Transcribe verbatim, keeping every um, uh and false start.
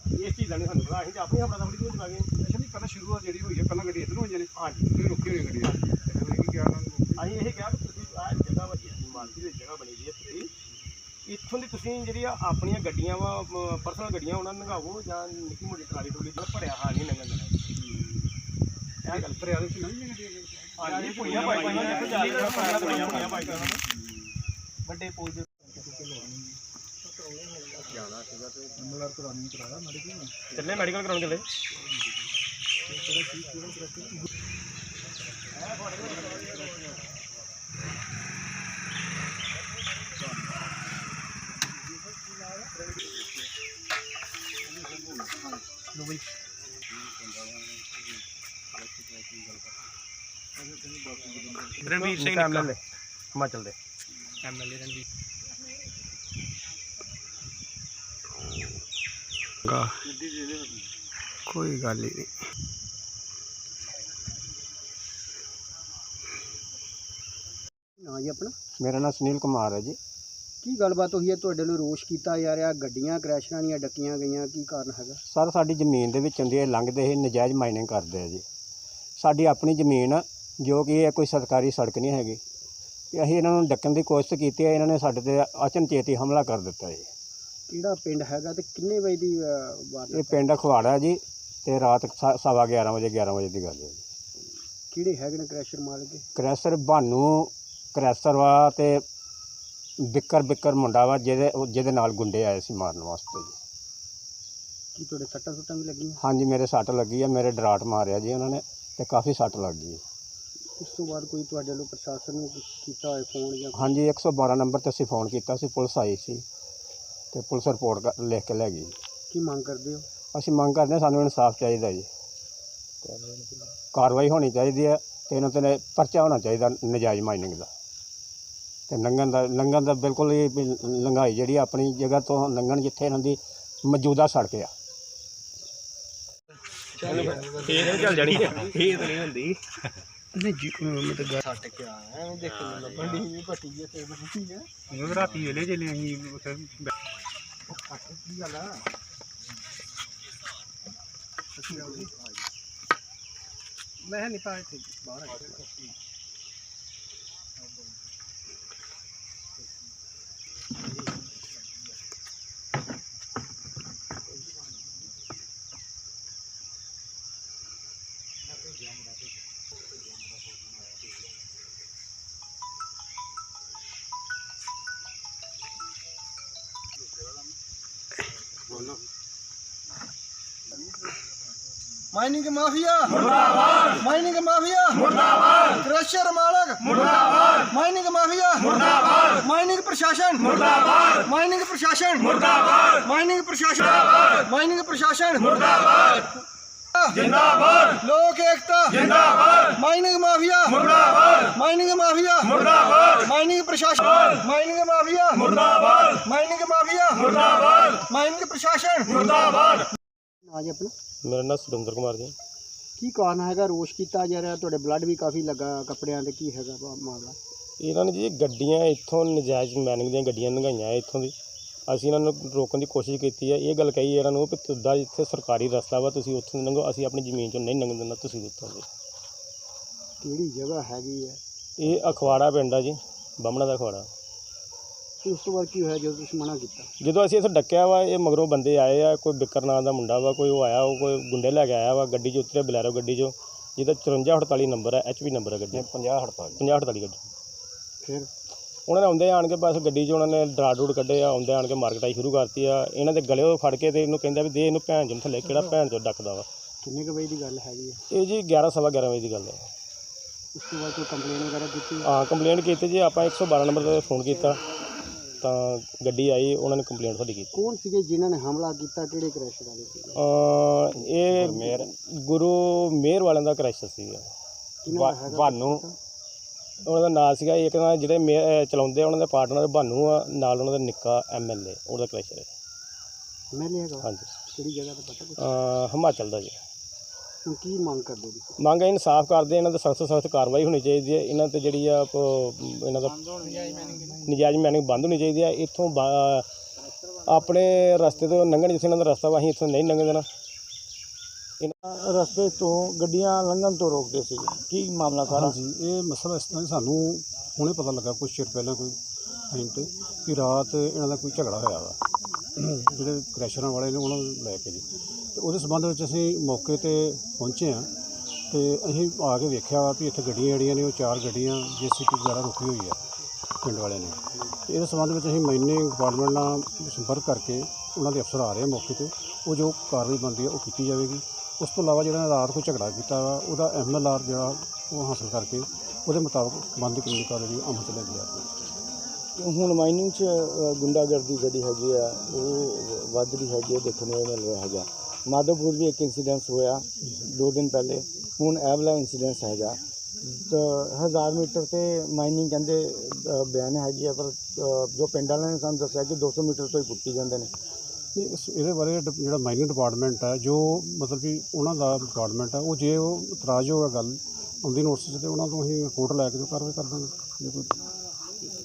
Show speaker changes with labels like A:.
A: इस चीज़ का नहीं सानूं पता, असीं ते अपनी अपना थोड़ी चला गए।
B: अच्छा नहीं पहले शुरुआत जी हुई है पहला गड्डी इधर होई ने
A: हाँ जी
B: फिर रुकी हुई गड्डी फिर की क्या
A: ਅਸੀਂ ਇਹ ਕਿਹਾ ਕਿ ਤੁਸੀਂ ਆਹ ਜਗ੍ਹਾ ਵਜੀ ਮਾਰਕੀਟ ਦੀ ਜਗ੍ਹਾ ਬਣੀ ਦੀ ਹੈ, ਤੁਸੀਂ ਇੱਥੋਂ ਦੀ ਤੁਸੀਂ ਜਿਹੜੀਆਂ ਆਪਣੀਆਂ ਗੱਡੀਆਂ ਵਾ ਪਰਸਨਲ ਗੱਡੀਆਂ ਉਹਨਾਂ ਨੂੰ ਲੰਘਾਵੋ ਜਾਂ ਨਿੱਕੀ ਮੋਟੀ ਟਰਾਲੀ ਟਰੂਲੀ ਜਿਹੜਾ ਭਰਿਆ ਹਾਂ ਨਹੀਂ ਲੰਘਣ ਦੇਣਾ। ਇਹ ਗੱਲ
B: ਦਰਿਆ ਦੇ ਵਿੱਚ ਨਹੀਂ ਗੱਡੀ
A: ਹਾਂ ਜੀ ਪੁੜੀਆਂ ਬਾਈਕਾਂ ਨਾਲ ਜਿੱਥੇ ਜਾ ਰਹੀਆਂ ਪੁੜੀਆਂ ਪੁੜੀਆਂ ਬਾਈਕਾਂ ਨਾਲ ਵੱਡੇ ਪੁਲ ਦੇ ਜਾਣਾ ਸੀਗਾ ਤੇ
B: ਮਲਰ ਕਰਾਉਣੀ ਕਰਾਇਆ ਮੈਡੀਕਲ
A: ਚੱਲੇ ਮੈਡੀਕਲ ਕਰਾਉਣ ਚੱਲੇ।
C: रणवीर सिंह
A: एमएलए हिमाचल दे
C: एमएलए रणवीर
D: कोई गल ही नहीं।
E: हाँ जी अपना
D: मेरा नाम सुनील कुमार है जी।
E: की गलबात हुई है तुहाडे लई रोश कीता जा रहा गड्डियां क्रैशरां ਦੀਆਂ ਡੱਕੀਆਂ ਗਈਆਂ ਕੀ ਕਾਰਨ ਹੈਗਾ?
D: सर साडी ਜ਼ਮੀਨ ਦੇ ਵਿੱਚ ਹੁੰਦੀ ਹੈ ਲੰਘਦੇ ਇਹ ਨਜਾਇਜ਼ ਮਾਈਨਿੰਗ ਕਰਦੇ ਆ ਜੀ। ਸਾਡੀ ਆਪਣੀ ਜ਼ਮੀਨ ਆ ਜੋ ਕਿ ਇਹ ਕੋਈ ਸਰਕਾਰੀ ਸੜਕ ਨਹੀਂ ਹੈਗੀ ਤੇ ਅਸੀਂ ਇਹਨਾਂ ਨੂੰ ਡੱਕਣ ਦੀ ਕੋਸ਼ਿਸ਼ ਕੀਤੀ ਹੈ, ਇਹਨਾਂ ਨੇ ਸਾਡੇ ਤੇ ਅਚਨਚੇਤੀ ਹਮਲਾ ਕਰ ਦਿੱਤਾ ਜੀ।
E: ਕਿਹੜਾ ਪਿੰਡ ਹੈਗਾ ਤੇ ਕਿੰਨੇ ਵਜੇ ਦੀ ਵਾਰਦਾਤ?
D: ਇਹ ਪਿੰਡ ਖਵਾੜਾ ਜੀ ਤੇ ਰਾਤ ਸਵਾ ਗਿਆਰਾਂ ਵਜੇ ਗਿਆਰਾਂ ਵਜੇ ਦੀ ਗੱਲ ਹੈ ਜੀ।
E: ਕਿਹੜੇ ਹੈਗੇ ਨੇ ਕ੍ਰੈਸ਼ਰ ਮਾਲਕ?
D: ਕ੍ਰੈਸ਼ਰ ਬਾਨੂ ਕ੍ਰੈਸ਼ਰ ਵਾ ਤੇ ਬਿੱਕਰ ਬਿੱਕਰ ਮੁੰਡਾ ਵਾ ਜਿਹਦੇ ਜਿਹਦੇ ਨਾਲ ਗੁੰਡੇ ਆਏ ਸੀ ਮਾਰਨ ਵਾਸਤੇ ਜੀ।
E: ਕੀ ਤੁਹਾਡੇ ਸੱਟਾਂ ਸੁੱਟਾਂ ਵੀ ਲੱਗੀਆਂ?
D: ਹਾਂਜੀ ਮੇਰੇ ਸੱਟ ਲੱਗੀ ਆ, ਮੇਰੇ ਡਰਾਟ ਮਾਰਿਆ ਜੀ ਉਹਨਾਂ ਨੇ ਤੇ ਕਾਫੀ ਸੱਟ ਲੱਗ ਗਈ।
E: ਉਸ ਤੋਂ ਬਾਅਦ ਕੋਈ ਤੁਹਾਡੇ ਵੱਲੋਂ ਪ੍ਰਸ਼ਾਸਨ ਨੂੰ ਕੀਤਾ ਹੋਏ ਫੋਨ ਜਾਂ?
D: ਹਾਂਜੀ ਇੱਕ ਸੌ ਬਾਰਾਂ ਨੰਬਰ 'ਤੇ ਅਸੀਂ ਫੋਨ ਕੀਤਾ ਸੀ, ਪੁਲਿਸ ਆਈ ਸੀ ਤੇ ਪੁਲਿਸ ਰਿਪੋਰਟ ਕਰ ਲਿਖ ਕੇ ਲੈ ਗਈ।
E: ਕੀ ਮੰਗ ਕਰਦੇ ਹੋ?
D: ਅਸੀਂ ਮੰਗ ਕਰਦੇ ਹਾਂ ਸਾਨੂੰ ਇਨਸਾਫ ਚਾਹੀਦਾ ਜੀ, ਕਾਰਵਾਈ ਹੋਣੀ ਚਾਹੀਦੀ ਹੈ ਤੇ ਇਹਨਾਂ 'ਤੇ ਪਰਚਾ ਹੋਣਾ ਚਾਹੀਦਾ ਨਜਾਇਜ਼ ਮਾਈਨਿੰਗ ਦਾ ਤੇ ਲੰਘਣ ਦਾ ਲੰਘਣ ਦਾ ਬਿਲਕੁਲ ਹੀ ਲੰਘਾਈ ਜਿਹੜੀ ਆਪਣੀ ਜਗ੍ਹਾ ਤੋਂ ਲੰਘਣ ਜਿੱਥੇ ਇਹਨਾਂ ਦੀ ਮੌਜੂਦਾ ਸੜਕ ਆ।
A: ਇਹ ਚੱਲ ਜਾਣੀ ਇਹ ਤਾਂ ਨਹੀਂ ਹੁੰਦੀ
E: ਨਹੀਂ ਜੀ ਮੈਂ ਤਾਂ ਗੱਲ
A: ਛੱਟ ਕੇ ਆਇਆ ਐਵੇਂ ਦੇਖ ਕੇ ਲੱਭਣ ਦੀ ਵੀ ਪੱਟੀ ਜੇ ਤੇ ਬੁੱਢੀ ਹੈ
B: ਉਹ ਰਾਤੀ ਵੇਲੇ ਚੱਲੇ ਅਸੀਂ ਉੱਥੇ
E: ਕੀ ਗੱਲ ਆ? ਮੈਂ ਨਹੀਂ ਪਾਇਆ ਤੇ ਬਾਹਰ ਆ ਗਿਆ। माइनिंग माफिया मुर्दाबाद, माइनिंग माफिया मुर्दाबाद, क्रशर मालक मुर्दाबाद, माइनिंग माफिया मुर्दाबाद, माइनिंग प्रशासन मुर्दाबाद, माइनिंग प्रशासन मुर्दाबाद, माइनिंग प्रशासन मुर्दाबाद, माइनिंग प्रशासन मुर्दाबाद, जिंदाबाद, लोक एकता जिंदाबाद, माइनिंग माफिया मुर्दाबाद, माइनिंग माफिया मुर्दाबाद, माइनिंग प्रशासन माइनिंग माफिया मुर्दाबाद, माइनिंग माफिया मुर्दाबाद, माइनिंग प्रशासन मुर्दाबाद। आज अपना
A: ਮੇਰਾ ਨਾਮ ਸੁਰਿੰਦਰ ਕੁਮਾਰ ਜੀ।
E: ਕੀ ਕਾਰਨ ਹੈਗਾ ਰੋਸ਼ ਕੀਤਾ ਜਾ ਰਿਹਾ? ਤੁਹਾਡੇ ਬਲੱਡ ਵੀ ਕਾਫੀ ਲੱਗਾ ਕੱਪੜਿਆਂ ਤੇ, ਕੀ ਹੈਗਾ ਮਾਮਲਾ?
A: ਇਹਨਾਂ ਨੇ ਜੀ ਗੱਡੀਆਂ ਇੱਥੋਂ ਨਜਾਇਜ਼ ਮਾਈਨਿੰਗ ਦੀਆਂ ਗੱਡੀਆਂ ਲੰਘਾਈਆਂ ਇੱਥੋਂ ਦੀ, ਅਸੀਂ ਇਹਨਾਂ ਨੂੰ ਰੋਕਣ ਦੀ ਕੋਸ਼ਿਸ਼ ਕੀਤੀ ਹੈ। ਇਹ ਗੱਲ ਕਹੀ ਇਹਨਾਂ ਨੂੰ ਵੀ ਤੁਹਾਡਾ ਜਿੱਥੇ ਸਰਕਾਰੀ ਰਸਤਾ ਵਾ ਤੁਸੀਂ ਉੱਥੋਂ ਲੰਘੋ, ਅਸੀਂ ਆਪਣੀ ਜ਼ਮੀਨ 'ਚੋਂ ਨਹੀਂ ਲੰਘਣ ਦਿੰਦਾ, ਤੁਸੀਂ ਉੱਥੋਂ ਜੀ।
E: ਕਿਹੜੀ ਜਗ੍ਹਾ ਹੈਗੀ ਹੈ?
A: ਇਹ ਅਖਵਾੜਾ ਪਿੰਡ ਆ ਜੀ, ਬਾਹਮਣਾ ਦਾ ਅਖਵਾੜਾ।
E: ਉਸ ਤੋਂ ਬਾਅਦ ਕੀ ਹੋਇਆ ਜਦੋਂ ਤੁਸੀਂ ਮਨਾ ਕੀਤਾ?
A: ਜਦੋਂ ਅਸੀਂ ਇੱਥੇ ਡੱਕਿਆ ਵਾ ਇਹ ਮਗਰੋਂ ਬੰਦੇ ਆਏ ਆ, ਕੋਈ ਬਿੱਕਰ ਨਾਂ ਦਾ ਮੁੰਡਾ ਵਾ, ਕੋਈ ਉਹ ਆਇਆ, ਉਹ ਕੋਈ ਗੁੰਡੇ ਲੈ ਕੇ ਆਇਆ ਵਾ, ਗੱਡੀ 'ਚ ਉਤਰਿਆ ਬਲੈਰੋ ਗੱਡੀ 'ਚੋਂ, ਜਿਹਦਾ ਚੁਰੰਜਾ ਅਠਤਾਲੀ ਨੰਬਰ ਹੈ, ਐਚ ਪੀ ਨੰਬਰ ਹੈ ਗੱਡੀ,
D: ਪੰਜਾਹ ਅਠਤਾਲੀ
A: ਪੰਜਾਹ ਅਠਤਾਲੀ ਗੱਡੀ।
E: ਫਿਰ
A: ਉਹਨਾਂ ਨੇ ਆਉਂਦੇ ਆਣ ਕੇ ਬਸ ਗੱਡੀ 'ਚ ਉਹਨਾਂ ਨੇ ਡਰਾ ਡੂਡ ਕੱਢੇ ਆ, ਆਉਂਦੇ ਆਣ ਕੇ ਮਾਰਕਟਾਈ ਸ਼ੁਰੂ ਕਰਤੀ ਆ। ਇਹਨਾਂ ਦੇ ਗਲੇ ਫੜ ਕੇ ਤੇ ਇਹਨੂੰ ਕਹਿੰਦਾ ਵੀ ਦੇ ਇਹਨੂੰ ਭੈਣ ਚੋਂ ਥੱਲੇ, ਕਿਹੜਾ ਭੈਣ ਚੋਂ ਡੱਕਦਾ ਵਾ।
E: ਕਿੰਨੇ ਕੁ ਵਜੇ ਦੀ ਗੱਲ ਹੈਗੀ ਹੈ?
A: ਇਹ ਜੀ ਗਿਆਰਾਂ ਸਵਾ ਗਿਆਰਾਂ ਵਜੇ ਦੀ ਗੱਲ ਹੈ।
E: ਉਸ ਤੋਂ ਬਾਅਦ ਕੋਈ ਕੰਪਲੇਨ ਵਗੈਰਾ ਕੀਤੀ?
A: ਹਾਂ ਕੰਪਲੇਂਟ ਕੀਤੀ ਜੀ, ਆਪਾਂ ਇੱਕ ਸੌ ਬਾਰਾਂ ਨੰਬਰ 'ਤੇ ਫੋਨ ਕੀਤਾ ਤਾਂ ਗੱਡੀ ਆਈ, ਉਹਨਾਂ ਨੇ ਕੰਪਲੇਂਟ ਸਾਡੀ ਕੀਤੀ।
E: ਕੌਣ ਸੀਗੇ ਜਿਨ੍ਹਾਂ ਨੇ ਹਮਲਾ ਕੀਤਾ? ਕਿਹੜੇ ਕ੍ਰੈਸ਼ਰ ਵਾਲੇ ਸੀਗੇ?
A: ਇਹ ਗੁਰੂ ਮੇਰ ਵਾਲਿਆਂ ਦਾ ਕ੍ਰੈਸ਼ਰ ਸੀਗਾ,
E: ਕਿਹਨਾਂ ਦਾ ਹੈਗਾ?
A: ਬਾਨੂ ਉਹਨਾਂ ਦਾ ਨਾਂ ਸੀਗਾ। ਇੱਕ ਤਾਂ ਜਿਹੜੇ ਮੇ ਚਲਾਉਂਦੇ ਉਹਨਾਂ ਦੇ ਪਾਰਟਨਰ ਬਾਨੂ ਆ, ਨਾਲ ਉਹਨਾਂ ਦਾ ਨਿੱਕਾ ਐਮ ਐਲ ਏ, ਉਹਦਾ ਕ੍ਰੈਸ਼ਰ ਹੈ।
E: ਐਮਐਲਏ ਹੈਗਾ?
A: ਹਾਂਜੀ।
E: ਕਿਹੜੀ ਜਗ੍ਹਾ ਦਾ ਪਤਾ ਕੁਛ?
A: ਹਿਮਾਚਲ ਦਾ ਜੀ।
E: ਹੁਣ ਕੀ ਮੰਗ ਕਰਦੇ ਤੁਸੀਂ?
A: ਮੰਗ ਇਨਸਾਫ ਕਰਦੇ, ਇਹਨਾਂ 'ਤੇ ਸਖਤ ਸਖਤ ਕਾਰਵਾਈ ਹੋਣੀ ਚਾਹੀਦੀ ਹੈ। ਇਹਨਾਂ 'ਤੇ ਜਿਹੜੀ ਆ ਇਹਨਾਂ ਦਾ ਨਜਾਇਜ਼ ਮਾਈਨਿੰਗ ਬੰਦ ਹੋਣੀ ਚਾਹੀਦੀ ਹੈ। ਇੱਥੋਂ ਆਪਣੇ ਰਸਤੇ ਤੋਂ ਲੰਘਣ, ਜਿੱਥੇ ਇਹਨਾਂ ਦਾ ਰਸਤਾ ਵਾ ਅਸੀਂ ਇੱਥੋਂ ਨਹੀਂ ਲੰਘਣ ਦੇਣਾ।
E: ਰਸਤੇ ਤੋਂ ਗੱਡੀਆਂ ਲੰਘਣ ਤੋਂ ਰੋਕਦੇ ਸੀ, ਕੀ ਮਾਮਲਾ ਸਾਰਾ?
B: ਹਾਂਜੀ, ਇਹ ਮਸਲਾ ਇਸ ਤਰ੍ਹਾਂ ਸਾਨੂੰ ਹੁਣੇ ਪਤਾ ਲੱਗਾ ਕੁਛ ਚਿਰ ਪਹਿਲਾਂ ਕੋਈ ਟਾਈਮ 'ਤੇ ਕਿ ਰਾਤ ਇਹਨਾਂ ਦਾ ਕੋਈ ਝਗੜਾ ਹੋਇਆ ਵਾ ਜਿਹੜੇ ਕ੍ਰੈਸ਼ਰਾਂ ਵਾਲੇ ਨੇ ਉਹਨਾਂ ਨੂੰ ਲੈ ਕੇ ਜੀ। ਅਤੇ ਉਹਦੇ ਸੰਬੰਧ ਵਿੱਚ ਅਸੀਂ ਮੌਕੇ 'ਤੇ ਪਹੁੰਚੇ ਹਾਂ ਅਤੇ ਅਸੀਂ ਆ ਕੇ ਵੇਖਿਆ ਵਾ ਵੀ ਇੱਥੇ ਗੱਡੀਆਂ ਜਿਹੜੀਆਂ ਨੇ ਉਹ ਚਾਰ ਗੱਡੀਆਂ ਜੇ ਸੀ ਪੀ ਵਗੈਰਾ ਰੁਕੀ ਹੋਈ ਆ ਪਿੰਡ ਵਾਲਿਆਂ ਨੇ। ਅਤੇ ਇਹਦੇ ਸੰਬੰਧ ਵਿੱਚ ਅਸੀਂ ਮਾਈਨਿੰਗ ਡਿਪਾਰਟਮੈਂਟ ਨਾਲ ਸੰਪਰਕ ਕਰਕੇ ਉਹਨਾਂ ਦੇ ਅਫਸਰ ਆ ਰਹੇ ਆ ਮੌਕੇ 'ਤੇ, ਉਹ ਜੋ ਕਾਰਵਾਈ ਬਣਦੀ ਹੈ ਉਹ ਕੀਤੀ ਜਾਵੇਗੀ। ਉਸ ਤੋਂ ਇਲਾਵਾ ਜਿਹੜਾ ਰਾਤ ਕੋਈ ਝਗੜਾ ਕੀਤਾ ਵਾ ਉਹਦਾ ਐਮ ਐਲ ਆਰ ਜਿਹੜਾ ਉਹ ਹਾਸਲ ਕਰਕੇ ਉਹਦੇ ਮੁਤਾਬਕ ਬਣਦੀ ਕਾਨੂੰਨੀ ਕਾਰਵਾਈ ਅਮਲ 'ਚ ਲਿਆਂਦੀ ਜਾਵੇਗੀ।
E: ਹੁਣ ਮਾਈਨਿੰਗ 'ਚ ਗੁੰਡਾਗਰਦੀ ਜਿਹੜੀ ਹੈਗੀ ਆ ਉਹ ਵੱਧ ਰਹੀ ਹੈਗੀ ਹੈ, ਦੇਖਣ ਨੂੰ ਮਿਲ ਰਿਹਾ ਹੈਗਾ। ਮਾਧੋਪੁਰ ਵੀ ਇੱਕ ਇੰਸੀਡੈਂਸ ਹੋਇਆ ਦੋ ਦਿਨ ਪਹਿਲੇ, ਹੁਣ ਇਹ ਵਾਲਾ ਇੰਸੀਡੈਂਸ ਹੈਗਾ। ਤਾਂ ਹਜ਼ਾਰ ਮੀਟਰ 'ਤੇ ਮਾਈਨਿੰਗ ਕਹਿੰਦੇ ਅ, ਬਿਆਨ ਹੈਗੀ ਆ, ਪਰ ਅ, ਜੋ ਪਿੰਡ ਵਾਲਿਆਂ ਨੇ ਸਾਨੂੰ ਦੱਸਿਆ ਕਿ ਦੋ ਸੌ ਮੀਟਰ ਤੋਂ ਹੀ ਪੁੱਟੀ ਜਾਂਦੇ ਨੇ।
B: ਤੇ ਇਸ ਇਹਦੇ ਬਾਰੇ ਡਿਪ- ਜਿਹੜਾ ਮਾਈਨਿੰਗ ਡਿਪਾਰਟਮੈਂਟ ਹੈ, ਜੋ ਮਤਲਬ ਕਿ ਉਹਨਾਂ ਦਾ ਡਿਪਾਰਟਮੈਂਟ ਹੈ, ਉਹ ਜੇ ਉਹ ਇਤਰਾਜ਼ ਹੋਗਾ ਗੱਲ ਆਉਂਦੀ ਨੋਟਿਸ 'ਤੇ ਉਹਨਾਂ ਤੋਂ ਅਸੀਂ ਰਿਪੋਰਟ ਲੈ ਕੇ ਜੋ ਕਾਰਵਾਈ ਕਰ ਦਾਂਗੇ ਜੇ ਕੋਈ